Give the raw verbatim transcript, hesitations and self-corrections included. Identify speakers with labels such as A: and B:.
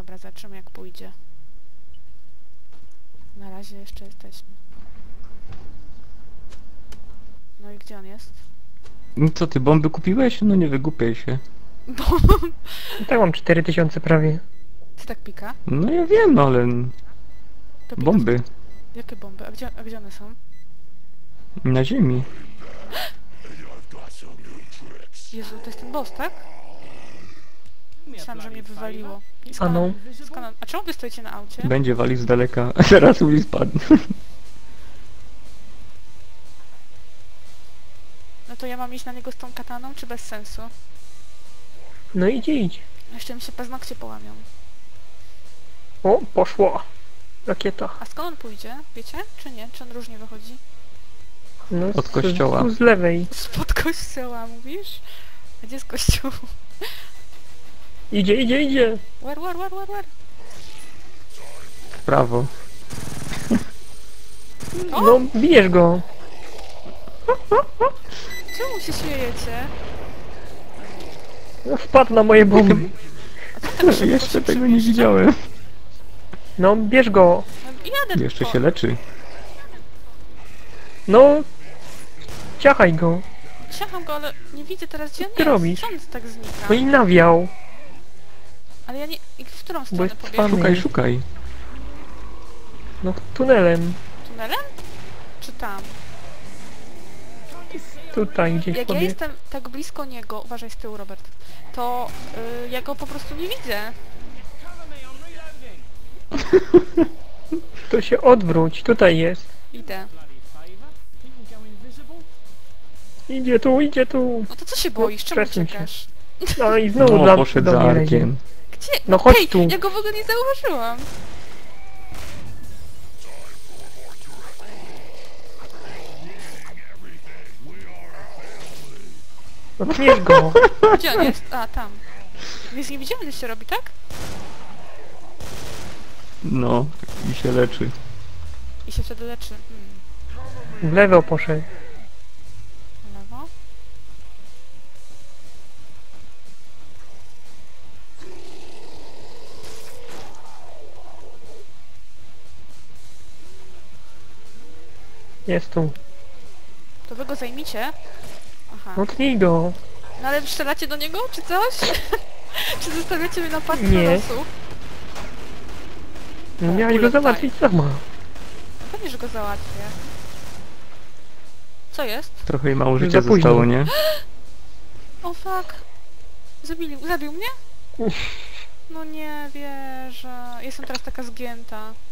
A: Dobra, zobaczymy jak pójdzie. Na razie jeszcze jesteśmy. No i gdzie on jest?
B: No co ty, bomby kupiłeś? No nie wygłupiaj się.
A: Bo...
C: Tak mam cztery tysiące prawie.
A: Ty tak pika?
B: No ja wiem, ale...
A: To pika
B: Bomby.
A: w... Jakie bomby? A gdzie, a gdzie one są?
B: Na ziemi.
A: Jezu, to jest ten boss, tak? Myślałam, że mnie wywaliło. I
C: A no.
A: skąd on... A czemu wy stoicie na aucie?
B: Będzie walił z daleka. Zaraz Uli spadnie.
A: No to ja mam iść na niego z tą kataną, czy bez sensu?
C: No idzie, idź.
A: Jeszcze mi się paznokcie połamią.
C: O, poszło. Rakieta.
A: A skąd on pójdzie? Wiecie? Czy nie? Czy on różnie wychodzi?
C: No,
B: Od
C: z-
B: kościoła.
C: Tu z lewej.
A: Spod kościoła, mówisz? A gdzie jest kościół?
C: Idzie, idzie, idzie.
A: War, war, war, war, war.
B: W prawo.
A: O!
C: No, bijesz go.
A: Czemu się śmiejecie?
C: No, wpadł na moje bomby.
A: A co tak szybko
B: Jeszcze
A: się
B: tego nie
A: przemieszcza?
B: widziałem.
C: No, bierz go.
A: No, jadę
B: Jeszcze
A: po-
B: się leczy.
C: No, ciachaj go.
A: Siacham go, ale nie widzę teraz gdzie on
C: ty
A: jest.
C: robisz?
A: Stąd tak znika.
C: No i nawiał.
A: Ale ja nie... I w którą stronę
C: jest
A: pobiegł?
C: cwany.
B: Szukaj, szukaj.
C: No, tunelem.
A: Tunelem? Czy tam?
C: Tutaj gdzieś
A: Jak ja
C: pobiegł.
A: jestem tak blisko niego, uważaj z tyłu, Robert, to y, ja go po prostu nie widzę.
C: To się odwróć, tutaj jest.
A: Idę.
C: Idzie tu, idzie tu.
A: No to co się boisz? Czemu
C: przesuń się.
A: uciekasz?
C: No i znowu
B: No,
C: dla,
B: poszedł
C: do
B: za
C: mnie leci.
B: arkiem.
A: Gdzie?
C: No chodź
A: Hej,
C: tu.
A: ja go w ogóle nie zauważyłam.
C: No bierz go.
A: Gdzie on jest? A, tam. Więc nie widziałem, gdzie się robi, tak?
B: No, i się leczy.
A: I się wtedy leczy. Hmm.
C: W lewo poszedł.
A: Lewo.
C: Jest tu.
A: To wy go zajmicie. Aha.
C: No tnij go.
A: No ale strzelacie do niego, czy coś? Czy zostawiacie mnie na pastwę
C: Nie.
A: losu?
C: No
A: O,
C: miałeś go
A: bullet
C: załatwić sama.
A: Pewnie, że go załatwię. Co jest?
B: Trochę jej mało
C: Za
B: życia
C: późno.
B: zostało, nie?
A: O fuck. Zabili, zabił mnie? No nie wierzę. Jestem teraz taka zgięta.